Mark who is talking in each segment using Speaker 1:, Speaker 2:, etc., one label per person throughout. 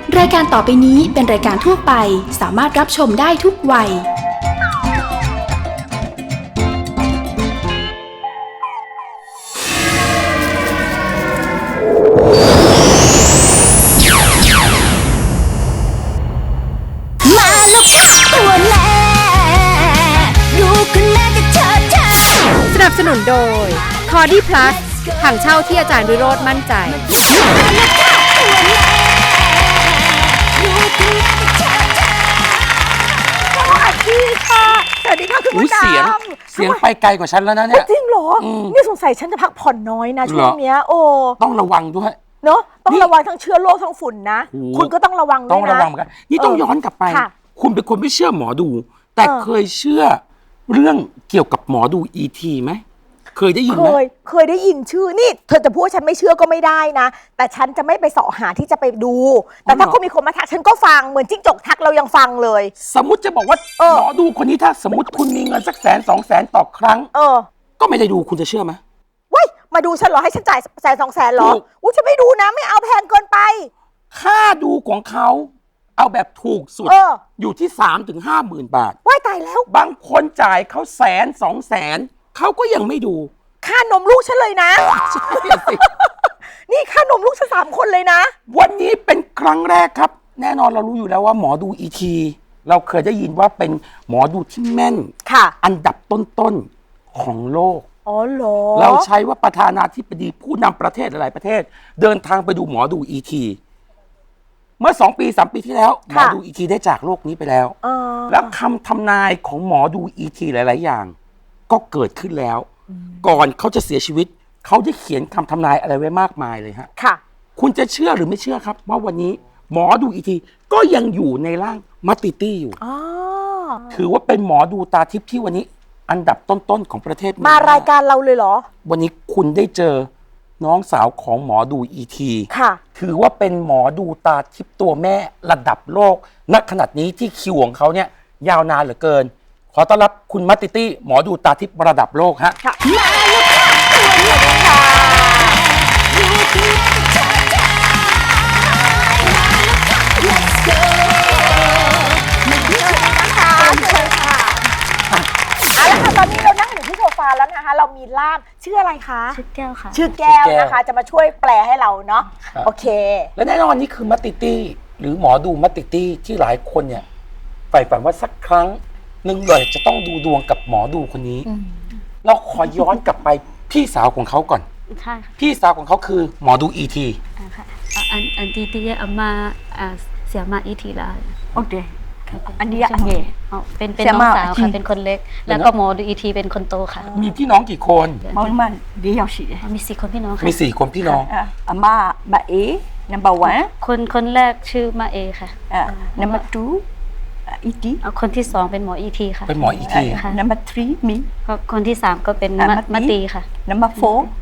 Speaker 1: รายการต่อไปนี้เป็นรายการทั่วไปสามารถรับชมได้ทุกวัยมาแล้วค่ะตัวแม่รู้คุณแม่จะเชิดเธอ
Speaker 2: สนับสนุนโดย Cordy Plus ถังเช่าที่อาจารย์วิโรจน์มั่นใจ
Speaker 3: สวัสดีค่ะคุณผู้ชม
Speaker 4: เสียงไปไกลกว่าฉันแล้วนะเนี่ย
Speaker 3: จริงเหรอนี่สงสัยฉันจะพักผ่อนน้อยนะช่วงเนี้ยโอ้
Speaker 4: ต้องระวังด้วย
Speaker 3: เนาะต้องระวังทั้งเชื้อโรคทั้งฝุ่นนะคุณก็ต้องระวังด้วยนะ
Speaker 4: ต้องระวังเหมือนกันนี่ต้องย้อนกลับไปคุณเป็นคนไม่เชื่อหมอดูแต่เคยเชื่อเรื่องเกี่ยวกับหมอดูอีทีไหมเคยได้ยินไหม
Speaker 3: เคยได้ยินชื่อนี่เธอจะพูดฉันไม่เชื่อก็ไม่ได้นะแต่ฉันจะไม่ไปเสาะหาที่จะไปดูแต่ถ้าคุณมีคนมาทักฉันก็ฟังเหมือนจิ้งจกทักเรายังฟังเลย
Speaker 4: สมมติจะบอกว่าหมอดูคนนี้ถ้าสมมติคุณมีเงินสัก100,000-200,000ต่อครั้งก็ไม่ได้ดูคุณจะเชื่อไหม
Speaker 3: ว้ยมาดูฉันเหรอให้ฉันจ่าย100,000-200,000เหรออุ้ยฉันไม่ดูนะไม่เอาแพงเกินไป
Speaker 4: ค่าดูของเขาเอาแบบถูกสุดอยู่ที่3-50,000 บาท
Speaker 3: ว้ายตายแล้ว
Speaker 4: บางคนจ่ายเขา100,000-200,000เขาก็ยังไม่ดู
Speaker 3: ค่านมลูกฉันเลยนะนี่ค่านมลูกฉัน3 คนเลยนะ
Speaker 4: วันนี้เป็นครั้งแรกครับแน่นอนเรารู้อยู่แล้วว่าหมอดูอีทีเราเคยได้ยินว่าเป็นหมอดูที่แม่นอันดับต้นๆของโลก
Speaker 3: อ๋อเหรอ
Speaker 4: เราใช้ว่าประธานาธิบดีผู้นำประเทศหลายประเทศเดินทางไปดูหมอดูอีทีเมื่อ2-3 ปีที่แล้วหมอดูอีทีได้จากโลกนี้ไปแล้วแล้วคำทำนายของหมอดูอีทีหลายๆอย่างก็เกิดขึ้นแล้วก่อนเขาจะเสียชีวิตเขาได้เขียนคำทำนายอะไรไว้มากมายเลยฮะ
Speaker 3: ค่ะ
Speaker 4: คุณจะเชื่อหรือไม่เชื่อครับว่าวันนี้หมอดูอีทีก็ยังอยู่ในร่างมัตติตี้อยู่ถือว่าเป็นหมอดูตาทิพย์ที่วันนี้อันดับต้นๆของประเทศ
Speaker 3: มารายการเราเลยเหรอ
Speaker 4: วันนี้คุณได้เจอน้องสาวของหมอดูอีทีถือว่าเป็นหมอดูตาทิพย์ตัวแม่ระดับโลกณขนาดนี้ที่คิวของเขาเนี่ยยาวนานเหลือเกินขอต้อนรับคุณมัตติตี้หมอดูตาทิพย์ระดับโลกฮะ
Speaker 3: มาแล้วค่ะสวัสดีค่ะLet's go เอาละค่ะตอนนี้เรานั่งอยู่ที่โซฟาแล้วนะคะเรามีล่ามชื่ออะไรคะ
Speaker 5: ชื่อแก้วค่ะ
Speaker 3: ชื่อแก้วนะคะจะมาช่วยแปลให้เราเนาะโอเค
Speaker 4: และแน่นอนนี่คือมัตติตี้หรือหมอดูมัตติตี้ที่หลายคนเนี่ยใฝ่ฝันว่าสักครั้งหนึ่งเลยจะต้องดูดวงกับหมอดูคนนี้เราขอย้อนกลับไปพี่สาวของเขาก่อน
Speaker 5: ใช่ค่ะ
Speaker 4: พี่สาวของเขาคือหมอดูอีที
Speaker 5: ค่ะอันที่อามาเสียมาอีทีแล้ว
Speaker 3: โอเคอันนี้อันนี้
Speaker 5: เป็นน้องสาวค่ะเป็นคนเล็กแล้วก็หมอดูอีทีเป็นคนโตค่ะ
Speaker 4: มีพี่น้องกี่คน
Speaker 3: มันเดียวสิ
Speaker 5: มี4 คนพี่น้องค่ะ
Speaker 4: มี4 คนพี่น้อง
Speaker 3: อามาเอ number
Speaker 5: 1คนแรกชื่อมาเอค่ะ
Speaker 3: number 2อีที
Speaker 5: คนที่2เป็นหมออีทีค่ะ
Speaker 4: เป็นหมออีที
Speaker 3: ค่ะ number 3มี
Speaker 5: คนที่3ก็เป็นมาตีค่ะ
Speaker 3: number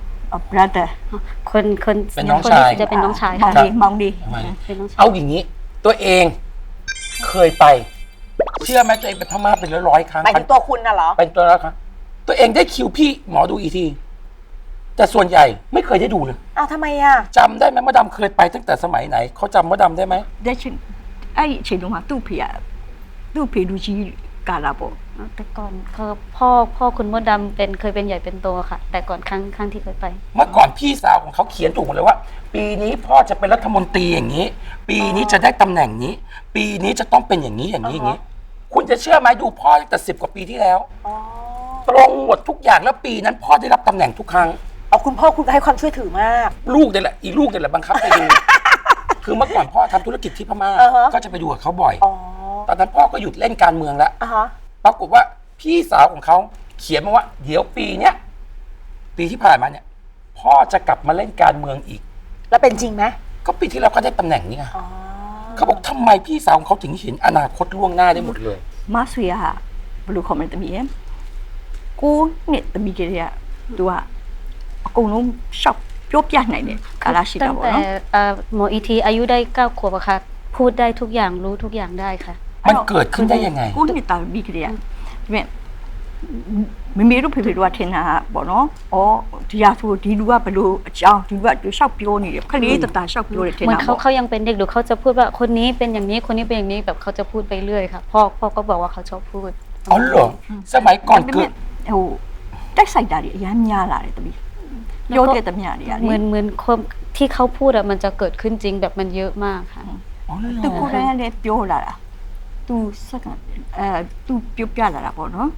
Speaker 3: 4 brother
Speaker 5: คน
Speaker 4: เป็นน้องชาย
Speaker 5: จะเป็นน้องชาย
Speaker 3: ค่ะมองดี
Speaker 4: เอาอย่างนี้ตัวเองเคยไปเชื่อไหมตัวเองไปพม่าเป็นร้อยครั้ง
Speaker 3: ไปตัวคุณน่ะเหรอ
Speaker 4: เป็นตัวแล้วครับตัวเองได้คิวพี่หมอดูอีทีแต่ส่วนใหญ่ไม่เคยได้ดูเลย
Speaker 3: อ้าวทำไมอ่ะ
Speaker 4: จำได้ไหมมดดำเคยไปตั้งแต่สมัยไหนเขาจำมดดำได้ไหม
Speaker 3: ได้ชิไอ้เฉยลงมาตู้เพียดูชีกาลาโบ
Speaker 5: แต่ก่อนคือพ่อคุณมดดำเคยเป็นใหญ่เป็นโตค่ะแต่ก่อนครั้งที่เคยไป
Speaker 4: เมื่อก่อนพี่สาวของเขาเขียนถูกหมดเลยว่าปีนี้พ่อจะเป็นรัฐมนตรีอย่างนี้ปีนี้จะได้ตำแหน่งนี้ปีนี้จะต้องเป็นอย่างนี้อย่างนี้คุณจะเชื่อไหมดูพ่อตั้งแต่10 กว่าปีที่แล้วตรงหมดทุกอย่างแล้วปีนั้นพ่อได้รับตำแหน่งทุกครั้ง
Speaker 3: เอาคุณพ่อคุณให้ความช่วยถือมาก
Speaker 4: ลูกเนี่ยแหละอีลูกเนี่ยแหละบังคับไปดูคือเมื่อก่อนพ่อทำธุรกิจที่พม่าก็จะไปดูกับเขาบ่อยตอนนั้นพ่อก็หยุดเล่นการเมืองแล้วปรากฏว่าพี่สาวของเขาเขียนมาว่าเดี๋ยวปีเนี้ยปีที่ผ่านมาเนี่ยพ่อจะกลับมาเล่นการเมืองอีก
Speaker 3: แล้วเป็นจริงไหม
Speaker 4: ก็ปีที่แล้วก็ได้ตำแหน่งนี้ไงเขาบอกทำไมพี่สาวของเขาถึงเห็นอนาคตล่วงหน้าได้หมดเลย
Speaker 3: มาสุยาบลูคอมเมนต์มีเอ็มกูเนี่ยตมีกี่เนี่ยตัวกูนุ่มชอบยบยันไหนเนี่ยกาลาชิดา
Speaker 5: บอกเนาะหมออีทีอายุได้9 ขวบค่ะพูดได้ทุกอย่างรู้ทุกอย่างได้ค่ะ
Speaker 4: มันเกิดขึ้นได้ยังไง
Speaker 3: กูนี่ตามีกี่เนี่ยမမေတို့ဖေဖေတို့ကထင်တာပေါ့နော်။အော်ဒီဟာဆိုဒီလူကဘလို့အကြောင်းဒီလူကရှောက်ပြောနေတယ်ခလေးတတရှောက်ပြောတယ်ထင်
Speaker 5: เหมือน
Speaker 3: တာ
Speaker 5: เขา
Speaker 3: ပေါ့
Speaker 5: เขายังเป็นเด็กหรือเขาจะพูดว่าคนนี้เป็นอย่างนี้คนนี้เป็นอย่างนี้แบบเขาจะพูดไปเรื่อยค่ะพ่อก็บอกว่าเขาชอบพูด
Speaker 4: อ๋อเหรอสมัยก่อน
Speaker 3: ဒါပေ
Speaker 4: คือ
Speaker 3: မဲ့ဟိုတက်ဆိုင်တာတွေအများများလာတယ်တပီပြောတဲ့တမညာတွေက
Speaker 5: เหมือนคนที่เขาพูดอะมันจะเกิดขึ้นจริงแบบมันเยอะมากค่ะ
Speaker 4: อ๋อเหร
Speaker 3: သူ
Speaker 4: อ
Speaker 3: ကိုယ်တိုင်လည်းပြောလာတာ तू စက္ကန့်तू ပြောပြလာတာပေါ့နော်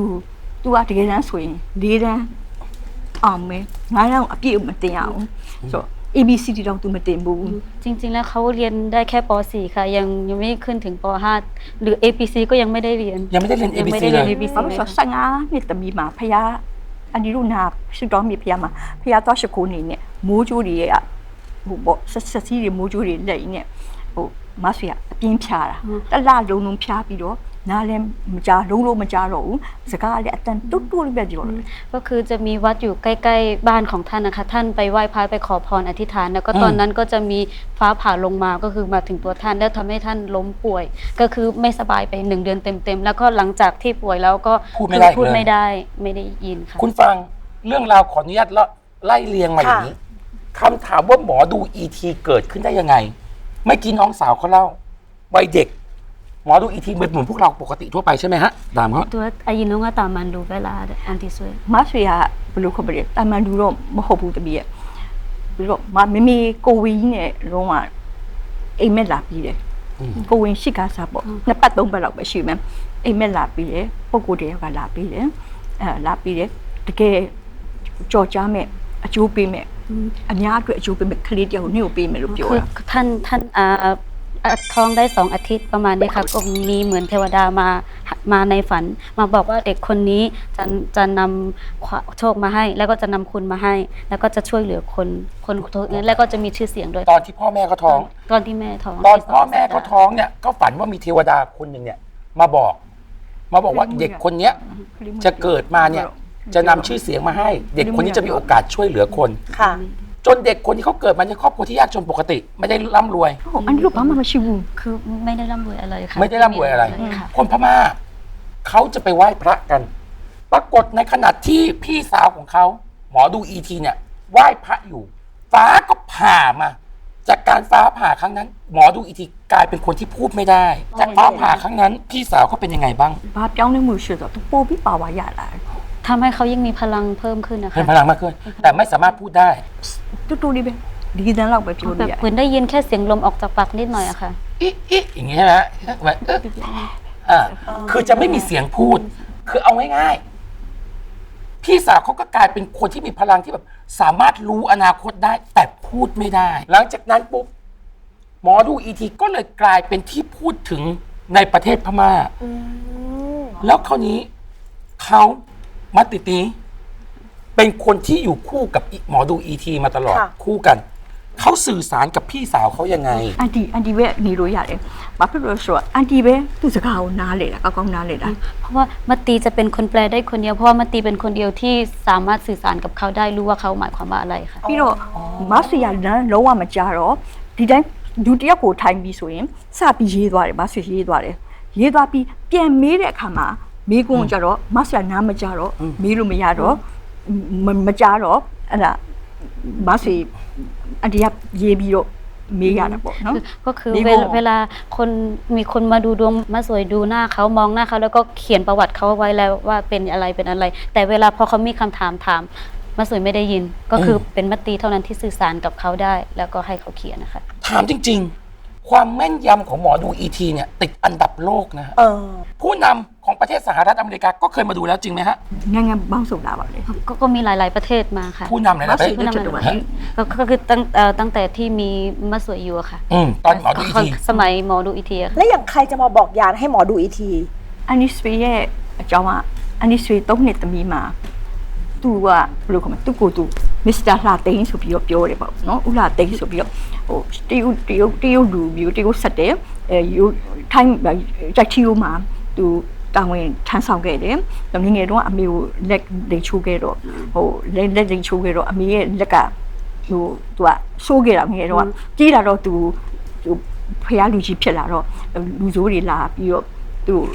Speaker 3: तू ကတကယ်တမ်းဆိုရင်၄တန်းအောင်မယ်9တန်းအပြည့်မတင်ရအောင်ဆိုတော့ ABCD တော့ तू မတင်ဘူး
Speaker 5: จริงๆแล้วเขาเรียนได้แค่ป .4 ค่ะยังไม่ขึ้นถึงป .5 หรือ APC ก็ยังไม่ได้เรียน
Speaker 4: ยังไม่ได้เรียน
Speaker 5: ยังไม่
Speaker 4: ABC
Speaker 5: ได้
Speaker 4: เล
Speaker 5: เรียน
Speaker 4: ย
Speaker 5: ABC
Speaker 3: ဘာလို့ဆို15နှစ်တမီမှာဖះအန်ဒီတို့နာရှုတော်မြေဖះမှာဖះတော့ရှခုနေနဲ့မိုးကြိုးတွေကဟိုပေါ့ဆက်စီးတွေမိုးကြိုးတွေလက်ရင်းနဲ့ဟိုမဆွေကအပြင်းဖြားတာတလလုံးလုံးဖြားပြီးတော့နားလည်းမကြားလုံးမကြားတော့ဘူးစကားလည်းအတန်တူတူလေးပဲပြောတယ်
Speaker 5: ก็คือจะมีวัดอยู่ใกล้ๆบ้านของท่านนะคะท่านไปไหว้พระไปขอพรอธิษฐานแล้วก็ตอนนั้นก็จะมีฟ้าผ่าลงมาก็คือมาถึงตัวท่านแล้วทำให้ท่านล้มป่วย ก็คือไม่สบายไป1 เดือนเต็มๆแล้วก็หลังจากที่ป่วยแล้วก็
Speaker 4: พูดไม่ได้
Speaker 5: พูด
Speaker 4: เลย
Speaker 5: ไม่ได้ไม่ได้ยินค่ะ
Speaker 4: คุณฟังเรื่องราวขออนุญาตไล่เรียงมาอย่างนี้คำถามว่าหมอดูอีทีเกิดขึ้นได้ยังไงไม่อกี้น้องสาวเขาเล่าวัยเด็กหมอดูอีทีเหมือนพวกเราปกติทั่วไปใช่ไหมฮะตามเขา
Speaker 5: ตัวอายุน้องก็ตามมันดูเวลาอันที่สวย
Speaker 3: မဆွေကဘယ်လိုခေါ်ပြလဲတာမန်လူတော့မဟုတ်ဘူးတပီရဲ့ပြီးတော့မမေကိုဝီကြီးနဲ့လုံးဝအိမ်မက်လာပြီးတယ်ကိုဝင်ရှိကားစားပေါ့နှစ်ပတ်သုံးပတ်လောက်ပဲရှိမယ်အိမ်မက်လာပြီးတယ်ပုံကိုယ်တယောက်ကလာပြီးတယ်လာပြီးတယ်တကယ်ကြော်ကြားမဲ့အကျိုးပေးမဲ့အများအတွက်အကျိုးပေးမဲ့ကလေးတယောက်ကိုနေ့ကိုပေးမယ်လို့ပြော
Speaker 5: คือ
Speaker 3: တာ
Speaker 5: ท่านท้องได้2 อาทิตย์ประมาณนี้ค่ะก็มีเหมือนเทวดามาในฝันมาบอกว่าเด็กคนนี้จะนำโชคมาให้ แล้วก็จะนำคุณมาให้ แล้วก็จะช่วยเหลือคนนั้นแล้วก็จะมีชื่อเสียงด้วย
Speaker 4: ตอนที่พ่อแม่เขาท้อง
Speaker 5: ตอนที่แม่ท้อง
Speaker 4: ตอนพ่อแม่เขาท้องเนี่ยก็ฝันว่ามีเทวดาคนหนึ่งเนี่ยมาบอกว่าเด็กคนเนี้ยจะเกิดมาเนี่ยจะนำชื่อเสียงมาให้ เด็กคนนี้จะมีโอกาสช่วยเหลือคน
Speaker 2: ค่ะ
Speaker 4: จนเด็กคนที่เขาเกิดมาในครอบครัวที่ยากจนปกติ ไม่ได้ร่ำรวย
Speaker 3: อันนี้ลูกบ้ามาชิวู
Speaker 5: คือไม่ได้ร่ำรวยอะไรค่ะ
Speaker 4: ไม่ได้ร่ำรวยอะไร
Speaker 5: ค่ะ
Speaker 4: คนพม่าเขาจะไปไหว้พระกัน ปรากฏในขณะที่พี่สาวของเขาหมอดูอีทีเนี่ยไหว้พระอยู่ ฟ้าก็ผ่ามา จากการฟ้าผ่าครั้งนั้น หมอดูอีทีกลายเป็นคนที่พูดไม่ได้ จากฟ้าผ่าครั้งนั้น พี่สาวเขาเป็นยังไงบ้าง
Speaker 3: ဘာပြောင်းလဲမှုရှိတော့သူပို့ပြီးပါဝါရလာတယ်
Speaker 5: ทำให้เขายิ่งมีพลังเพิ่มขึ้นนะคะ
Speaker 4: เป็นพลังมากขึ้น แต่ไม่สามารถพูดได้
Speaker 3: တူတူလေးပဲဒီတန်းလောက်ပဲပြော
Speaker 5: แบ
Speaker 3: လို့
Speaker 5: บ
Speaker 3: ရတယ်
Speaker 5: เหมือนได้ยินแค่เสียงลมออกจากปากนิดหน่อยอะค่ะ
Speaker 4: อิอย่างงี้ใช่ไหมฮะแบบคือจะไม่มีเสียงพูด คือเอาง่ายๆพี่สาวเขาก็กลายเป็นคนที่มีพลังที่แบบสามารถรู้อนาคตได้ แต่พูดไม่ได้ หลังจากนั้นปุ๊บหมอดูอีทีก็เลยกลายเป็นที่พูดถึงในประเทศพม่าแล้วคราวนี้เขามัตติตีเป็นคนที่อยู่คู่กับหมอดูอีทีมาตลอด
Speaker 2: ค่ะ
Speaker 4: คู่กันเขาสื่อสารกับพี่สาวเขายังไง
Speaker 3: အန်တီပဲနေလို့ရတယ်ဘာဖြစ်လို့လဲဆိုတော့အန်တီပဲသူ့စကားကိုနားလေတာကောင်းနားလေတာ
Speaker 5: เพราะว่ามัตตีจะเป็นคนแปลได้คนเดียวเพราะว่ามัตตีเป็นคนเดียวที่สามารถสื่อสารกับเขาได้รู้ว่าเขาหมายความว่าอะไรค่ะ
Speaker 3: ပြီးတော့မဆွေရလမ်းလုံးဝမကြတော့ဒီတိုင်းဒုတိယကိုထိုင်ပြီးဆိုရင်စပြီးရေးသွားတယ်မဆွေရေးသွားတယ်ရေးသွားပြီးပြန်မေးတဲ့အခါမှာမေးခွန်းကြတော့မဆွေနားမကြတော့မေးလို့မရတော့မကြတော့အဲ့ဒါမဆွေအန်တီကရေးပြီးတော့မေးရတာပေါ့နော်
Speaker 5: ก็คือ
Speaker 3: มี
Speaker 5: เวลาคนมีคนมาดูดวงมาสวยดูหน้าเขามองหน้าเขาแล้วก็เขียนประวัติเขาไว้แล้วว่าเป็นอะไรเป็นอะไร แต่เวลาพอเขามีคำถามมาสวยไม่ได้ยิน ก็คือเป็นมัตตีเท่านั้นที่สื่อสารกับเขาได้ แล้วก็ให้เขาเขียนนะคะ
Speaker 4: ถามจริง ๆ ความแม่นยำของหมอดูอีทีเนี่ยติดอันดับโลกนะฮะผู้นำของประเทศสหรัฐอเมริกาก็เคยมาดูแล้วจริงไหมฮะ
Speaker 3: နိုင်ငံပေါင်းစုံလာပါလေ
Speaker 5: ก็มีหลาย ๆประเทศมาค่ะ
Speaker 4: ผู้นำหลายๆประเทศ
Speaker 5: ผู้นำหลายๆประเทศก็คือตั้งแต่ที่มีมาสวยอยู่อะค่ะ
Speaker 4: ตอนหมอดูอีที
Speaker 5: สมัยหมอดูอีทีอะค่ะ
Speaker 2: และอย่างใครจะมาบอกยานให้หมอดูอีที
Speaker 3: အန်နီဆွေရဲ့အကြောင်းကအန်နီဆွေ3နှစ်သမီးမှာသူကဘယ်လိုခေါ်မလဲသူကိုသူမစ္စတာလာသိန်းဆိုပြီးတော့ပြောတယ်ပေါ့နော်ဦးလာသိန်းဆိုပြီးတော့ဟိုတရုတ်လူမျိုးတရုတ်ဆက်တယ်ယူထိုင်းကြိုက်ချီယိုမှာသူတာဝန်ထမ်းဆောင်ခဲ့တယ်ငငယ်တုန်းကအမေကိုလက်လိမ်ချိုးခဲ့တော့ဟိုလက်လိမ်ချိုးခဲ့တော့အမေရဲ့လက်ကဟိုသူကဆိုးခဲ့တာငငယ်တုန်းကကြီးလာတော့သူဖះလူကြီးဖြစ်လာတော့လူဆိုးတွေလာပြီးတော့သူ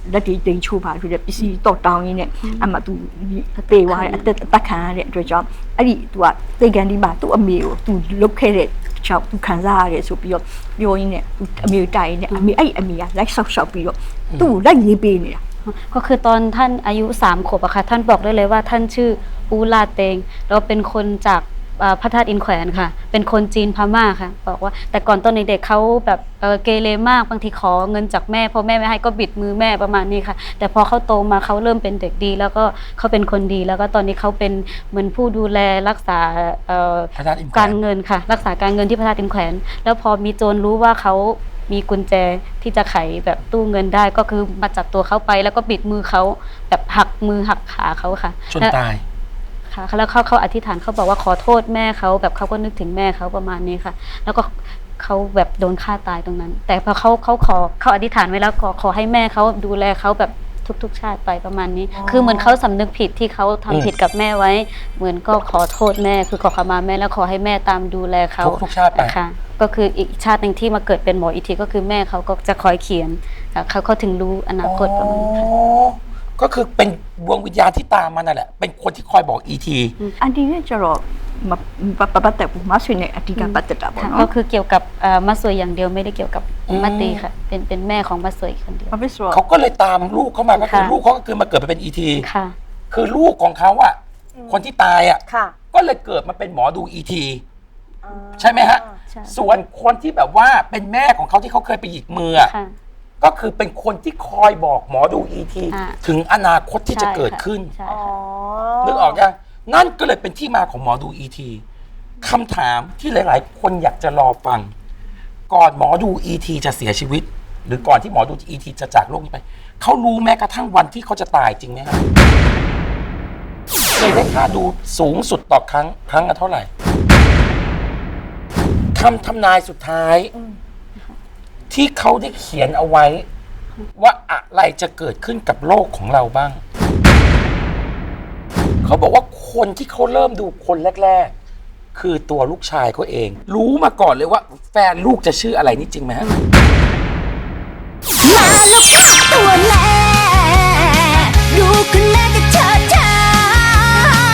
Speaker 3: လက်တွေတိမ်ချိုးပါဆိုတဲ့ပစ္စည်းတော့တောင်းရင်းနဲ့အမှသူတေးသွားတဲ့အသက်ခံရတဲ့အတွက်ကြောင့်အဲ့ဒီသူကသိကန်ဒီမှာသူ့အမေကိုသူလုတ်ခဲ့တဲ့ကြောင့်သူခံစားရတယ်ဆိုပြီးတော့ပြောရင်းနဲ့အမေတိုင်ရင်းနဲ့အမေကလိုက်ဆောက်ပြီးတော့သူ့ကိုလိုက်ရေးပေးနေတာ
Speaker 5: ก็คือตอนท่านอายุ3 ขวบอะค่ะท่านบอกได้เลยว่าท่านชื่ออูลาเตงแล้วเป็นคนจากพระธาตุอินแขวนค่ะเป็นคนจีนพม่าค่ะบอกว่าแต่ก่อนตอนเด็กๆเขาแบบเกเรมากบางทีขอเงินจากแม่พอแม่ไม่ให้ก็บิดมือแม่ประมาณนี้ค่ะแต่พอเขาโตมาเขาเริ่มเป็นเด็กดีแล้วก็เขาเป็นคนดีแล้วก็ตอนนี้เขาเป็นเหมือนผู้ดูแลรักษาการเงินค่ะรักษาการเงินที่พระธาตุอินแขวนแล้วพอมีโจรรู้ว่าเขามีกุญแจที่จะไขแบบตู้เงินได้ก็คือมาจับตัวเขาไปแล้วก็บิดมือเขาแบบหักมือหักขาเขาค่ะ
Speaker 4: จนตาย
Speaker 5: ค่ะแล้วเขาอธิษฐานเขาบอกว่าขอโทษแม่เขาแบบเขาก็นึกถึงแม่เขาประมาณนี้ค่ะแล้วก็เขาแบบโดนฆ่าตายตรงนั้น แต่พอเขาอธิษฐานไว้แล้วขอให้แม่เขาดูแลเขาแบบทุกๆชาติไปประมาณนี้คือเหมือนเขาสำนึกผิดที่เขาทำผิดกับแม่ไว้เหมือนก็ขอโทษแม่คือขอขมาแม่แล้วขอให้แม่ตามดูแลเขา
Speaker 4: ทุกชาติไป
Speaker 5: ค่ะก็คืออีกชาติหนึ่งที่มาเกิดเป็นหมออีกทีก็คือแม่เขาก็จะคอยเขียนเขาถึงรู้อนาคตประมาณนี้
Speaker 4: ก็คือเป็นดวงวิญญาณที่ตามมานั่นแหละเป็นคนที่คอยบอกอีที
Speaker 3: อันนี้เนี่ยจะรอมาปะแต่ปูมาส่วนเนี่ยอธิการปัตตะบ่เนาะ
Speaker 5: ก็คือเกี่ยวกับมัสวยอย่างเดียวไม่ได้เกี่ยวกับมัตตีค่ะเป็นแม่ของมัสวยคนเดียว
Speaker 4: เขาก็เลยตามลูกเข้ามาก็คือลูกเขาก็คือมาเกิดมาเป็นอีที
Speaker 5: ค่ะ
Speaker 4: คือลูกของเขาอะคนที่ตายอะก็เลยเกิดมาเป็นหมอดูอีทีใช่ไหมฮะส่วนคนที่แบบว่าเป็นแม่ของเขาที่เขาเคยไปหยิกมือก็คือเป็นคนที่คอยบอกหมอดูอีทีถึงอนาคตที่จะเกิดขึ้นนึกออกยังนั่นก็เลยเป็นที่มาของหมอดูอีทีคำถามที่หลายๆคนอยากจะรอฟังก่อนหมอดูอีทีจะเสียชีวิตหรือก่อนที่หมอดูอีทีจะจากโลกนี้ไปเขารู้แม้กระทั่งวันที่เขาจะตายจริงไหมครับเคยได้ค่าดูสูงสุดต่อครั้งละเท่าไหร่คำทำนายสุดท้ายที่เขาได้เขียนเอาไว้ว่าอะไรจะเกิดขึ้นกับโลกของเราบ้างเขาบอกว่าคนที่เขาเริ่มดูคนแรกๆคือตัวลูกชายเขาเองรู้มาก่อนเลยว่าแฟนลูกจะชื่ออะไรนี่จริงไหมฮะ